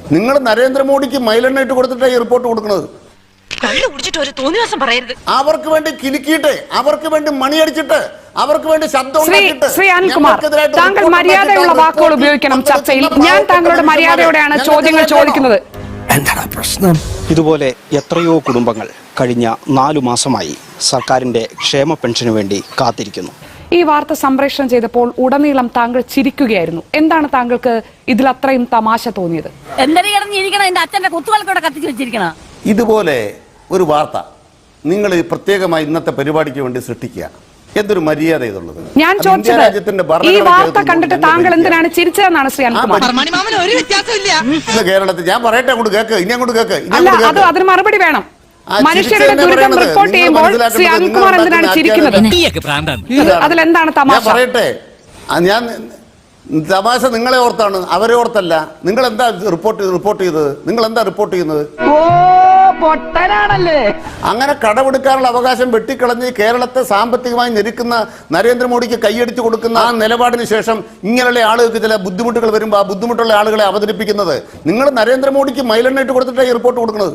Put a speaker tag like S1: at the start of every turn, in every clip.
S1: നിങ്ങൾ നരേന്ദ്രമോദിക്ക് മൈലെണ്ണ ഇട്ട് കൊടുത്തിട്ടാണ് ഈ റിപ്പോർട്ട് കൊടുക്കുന്നത്. അവർക്ക് വേണ്ടി കിലുക്കിയിട്ട്, അവർക്ക് വേണ്ടി മണിയടിച്ചിട്ട്, അവർക്ക് വേണ്ടി ശബ്ദം
S2: ശ്രീ അനിൽകുമാർ, താങ്കൾ മര്യാദയുള്ള വാക്കുകൾ ഉപയോഗിക്കണം ചർച്ചയിൽ. ഞാൻ താങ്കളുടെ മര്യാദയോടെയാണ് ചോദ്യങ്ങൾ ചോദിക്കുന്നത്.
S3: എന്താണ് പ്രശ്നം? ഇതുപോലെ എത്രയോ കുടുംബങ്ങൾ കഴിഞ്ഞ 4 മാസമായി സർക്കാരിന്റെ ക്ഷേമ പെൻഷനു വേണ്ടി കാത്തിരിക്കുന്നു.
S2: ഈ വാർത്ത സംപ്രേഷണം ചെയ്തപ്പോൾ ഉടനീളം താങ്കൾ ചിരിക്കുകയായിരുന്നു. എന്താണ് താങ്കൾക്ക് ഇതിൽ അത്രയും തമാശ തോന്നിയത്?
S1: ഇതുപോലെ ഒരു വാർത്ത നിങ്ങൾ പ്രത്യേകമായി ഇന്നത്തെ പരിപാടിക്ക് വേണ്ടി സൃഷ്ടിക്കുക, എന്തൊരു മര്യാദ ഇതുള്ളത്?
S2: ഞാൻ ചോദിച്ചത് ഈ വാർത്ത കണ്ടിട്ട് താങ്കൾ എന്തിനാണ് ചിരിച്ചതെന്നാണ് ശ്രീ അനിൽകുമാർ.
S1: കേരളത്തിൽ ഞാൻ പറയട്ടെ, അങ്ങോട്ട് കേക്ക്, ഇനി അങ്ങോട്ട് കേക്ക്.
S2: അല്ല, അതിന് മറുപടി വേണം. മനുഷ്യരുടെ ദുരിതം റിപ്പോർട്ട് ചെയ്യുമ്പോൾ ശ്രീ അനിൽകുമാർ എന്തിനാണ് ചിരിക്കുന്നത്? അതിലെന്താണ് തമാശ?
S1: പറയട്ടെ, ഞാൻ തമാശ നിങ്ങളെ ഓർത്താണ്, അവരെ ഓർത്തല്ല. നിങ്ങൾ എന്താ റിപ്പോർട്ട് ചെയ്തത്? നിങ്ങൾ എന്താ റിപ്പോർട്ട് ചെയ്യുന്നത്? അങ്ങനെ കടമെടുക്കാനുള്ള അവകാശം വെട്ടിക്കളഞ്ഞ് കേരളത്തെ സാമ്പത്തികമായി ഞെരുക്കുന്ന നരേന്ദ്രമോദിക്ക് കൈയടിച്ചു കൊടുക്കുന്ന ആ നിലപാടിന് ശേഷം ഇങ്ങനെയുള്ള ആളുകൾക്ക് ചില ബുദ്ധിമുട്ടുകൾ വരുമ്പോൾ ആ ബുദ്ധിമുട്ടുള്ള ആളുകളെ അവതരിപ്പിക്കുന്നത്, നിങ്ങൾ നരേന്ദ്രമോദിക്ക് മൈലെണ്ണ ഇട്ട് കൊടുത്തിട്ടാണ് ഈ റിപ്പോർട്ട് കൊടുക്കുന്നത്.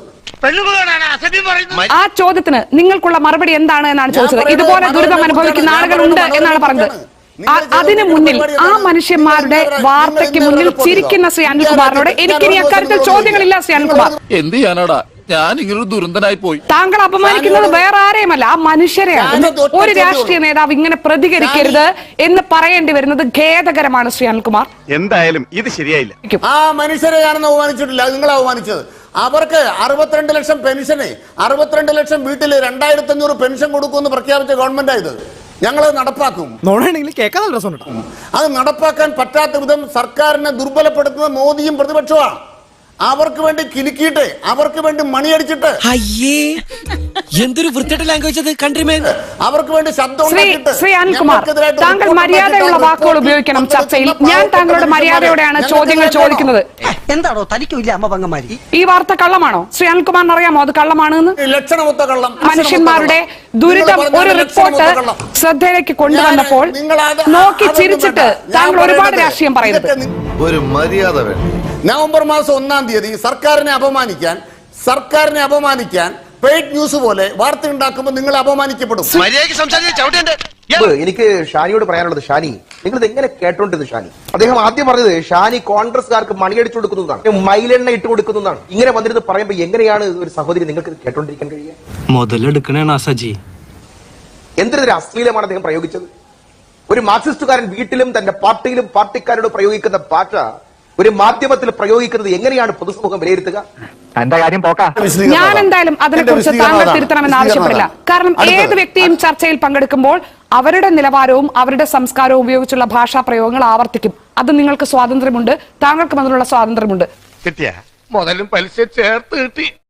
S2: ആ ചോദ്യത്തിന് നിങ്ങൾക്കുള്ള മറുപടി എന്താണ് എന്നാണ് ചോദിച്ചത്. ഇതുപോലെ ദുരിതം അനുഭവിക്കുന്ന ആളുകളുണ്ട് എന്നാണ് പറഞ്ഞത്. അതിനു മുന്നിൽ ആ മനുഷ്യന്മാരുടെ വാർത്തയ്ക്ക് മുന്നിൽ ചിരിക്കുന്ന ശ്രീ അനിൽകുമാറിനോട് എനിക്കിനി അക്കാര്യത്തിൽ ചോദ്യങ്ങളില്ല. ശ്രീ അനിൽകുമാർ,
S4: എന്ത് ചെയ്യാനാടാ, ഞാൻ ഇങ്ങനൊരു ദുരന്തനായി പോയി.
S2: താങ്കൾ അപമാനിക്കുന്നത് വേറെ ആരെയുമല്ല, ആ മനുഷ്യരെയാണ്. ഒരു രാഷ്ട്രീയ നേതാവ് ഇങ്ങനെ പ്രതികരിക്കരുത് എന്ന് പറയേണ്ടി വരുന്നത് ഖേദകരമാണ് ശ്രീ അനിൽകുമാർ.
S5: എന്തായാലും ഇത് ശരിയായില്ല.
S1: ആ മനുഷ്യരെ ഞാനൊന്നും അവമാനിച്ചിട്ടില്ല, നിങ്ങൾ അവമാനിച്ചത്. അവർക്ക് 62 ലക്ഷം പെൻഷന്, 62 ലക്ഷം വീട്ടിൽ 2500 പെൻഷൻ കൊടുക്കുമെന്ന് പ്രഖ്യാപിച്ച ഗവൺമെന്റായത്. ഞങ്ങളത് നടപ്പാക്കും. അത് നടപ്പാക്കാൻ പറ്റാത്ത വിധം സർക്കാരിനെ ദുർബലപ്പെടുത്തുന്ന മോദിയും പ്രതിപക്ഷമാണ്. അവർക്ക് വേണ്ടി കിലുക്കിയിട്ട്, അവർക്ക് വേണ്ടി മണിയടിച്ചിട്ട്,
S3: എന്തൊരു വൃത്തിയുടെ ലാംഗ്വേജ് അത് കൺട്രിമേൻ,
S1: അവർക്ക് വേണ്ടി ശബ്ദം.
S2: ശ്രീ അനിൽകുമാർ, താങ്കൾ മര്യാദയുള്ള വാക്കുകൾ ഉപയോഗിക്കണം ചർച്ചയിൽ. ഞാൻ താങ്കളുടെ മര്യാദയോടെയാണ് ചോദ്യങ്ങൾ ചോദിക്കുന്നത്.
S6: എന്താണോ തനിക്കില്ല അമ്മ പങ്കന്മാരി?
S2: ഈ വാർത്ത കള്ളമാണോ? ശ്രീ അനിൽകുമാറിന് അറിയാമോ അത് കള്ളമാണെന്ന്?
S1: ലക്ഷണമൊത്ത കള്ളം.
S2: മനുഷ്യന്മാരുടെ ദുരിതം ഒരു റിപ്പോർട്ട് ശ്രദ്ധയിലേക്ക് കൊണ്ടുവന്നപ്പോൾ നോക്കി ചിരിച്ചിട്ട് താങ്കൾ ഒരുപാട് രാഷ്ട്രീയം പറയുന്നത്.
S1: ഒരു മര്യാദ വേണം. നവംബർ മാസം 1-ാം തീയതി സർക്കാരിനെ അപമാനിക്കാൻ പെയ്ഡ് ന്യൂസ് പോലെ വാർത്ത ഉണ്ടാക്കുമ്പോൾ നിങ്ങൾ അപമാനിക്കപ്പെടും.
S7: എനിക്ക് ഷാനിയോട് പറയാനുള്ളത്, ഷാനി നിങ്ങൾ ഇത് എങ്ങനെ കേട്ടോണ്ടിരുന്നു? ഷാനി അദ്ദേഹം ആദ്യം പറഞ്ഞത് ഷാനി കോൺഗ്രസ്സുകാർക്ക് മണിയടിച്ചു കൊടുക്കുന്നതാണ്, മൈലെണ്ണ ഇട്ട് കൊടുക്കുന്നതാണ്. ഇങ്ങനെ വന്നിരുന്ന് പറയുമ്പോൾ എങ്ങനെയാണ് ഒരു സഹോദരി നിങ്ങൾക്ക് കേട്ടോണ്ടിരിക്കാൻ കഴിയുക?
S3: മുതലെടുക്കണേ സജി.
S7: എന്തൊരു അശ്ലീലമാണ് അദ്ദേഹം പ്രയോഗിച്ചത്. ഒരു മാർക്സിസ്റ്റുകാരൻ വീട്ടിലും തന്റെ പാർട്ടിയിലും പാർട്ടിക്കാരോട് പ്രയോഗിക്കുന്ന ഭാഷ ഒരു മാധ്യമത്തിൽ പ്രയോഗിക്കുന്നത് എങ്ങനെയാണ് പൊതുസമൂഹം വിലയിരുത്തുക?
S2: ഞാൻ എന്തായാലും അതിനെക്കുറിച്ച് താങ്കൾ തിരുത്തണമെന്ന് ആവശ്യപ്പെടില്ല. കാരണം ഏത് വ്യക്തിയും ചർച്ചയിൽ പങ്കെടുക്കുമ്പോൾ അവരുടെ നിലവാരവും അവരുടെ സംസ്കാരവും ഉപയോഗിച്ചുള്ള ഭാഷാ പ്രയോഗങ്ങൾ ആവർത്തിക്കും. അത് നിങ്ങൾക്ക് സ്വാതന്ത്ര്യമുണ്ട്, താങ്കൾക്കും അതിനുള്ള സ്വാതന്ത്ര്യമുണ്ട്.
S5: മുതലും പലിശ ചേർത്ത് കിട്ടി.